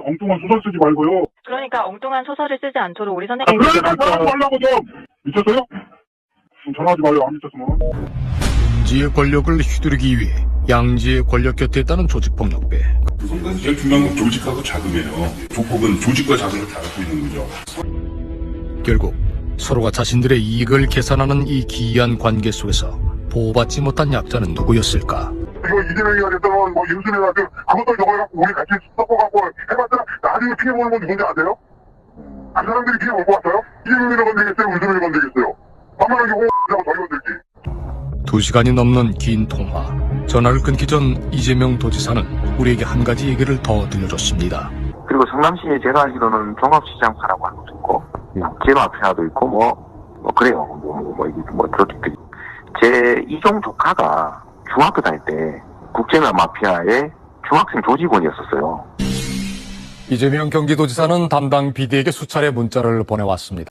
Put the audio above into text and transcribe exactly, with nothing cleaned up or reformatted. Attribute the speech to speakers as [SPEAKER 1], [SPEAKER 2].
[SPEAKER 1] 엉뚱한 소설 쓰지 말고요.
[SPEAKER 2] 그러니까 엉뚱한 소설을 쓰지 않도록 우리
[SPEAKER 1] 아,
[SPEAKER 2] 선생님이
[SPEAKER 1] 그러니까 전화하지 말라고 좀. 미쳤어요? 전화하지 마요. 안 미쳤으면.
[SPEAKER 3] 양지의 권력을 휘두르기 위해 양지의 권력 곁에 있다는 조직폭력배.
[SPEAKER 4] 그건 제일 중요한 건 조직하고 자금이에요. 조폭은 조직과 자금을 다 갖고 있는 거죠.
[SPEAKER 3] 결국 서로가 자신들의 이익을 계산하는 이 기이한 관계 속에서 보호받지 못한 약자는 누구였을까?
[SPEAKER 1] 이거 이재명이가 됐다면 뭐 윤수미가 그 그것도 저거 갖고 우리 같이 섞어갖고 해봤자 나중에 피해 보는 건 누군지 아세요? 그 사람들이 피해 볼 것 같아요? 이재명이를 건드리겠어요? 윤수미를 건드리겠어요? 만만하게 홍보하고 저희 건들지.
[SPEAKER 3] 두 시간이 넘는 긴 통화. 전화를 끊기 전 이재명 도지사는 우리에게 한 가지 얘기를 더 들려줬습니다.
[SPEAKER 5] 그리고 성남시에 제가 알기로는 종합시장파라고 하는 것도 있고, 국제마피아도 있고, 뭐, 뭐, 그래요. 뭐, 뭐, 뭐, 이게 뭐, 그렇게. 제 이종 조카가 중학교 다닐 때 국제마피아의 중학생 조직원이었었어요.
[SPEAKER 3] 이재명 경기도지사는 담당 비디에게 수차례 문자를 보내왔습니다.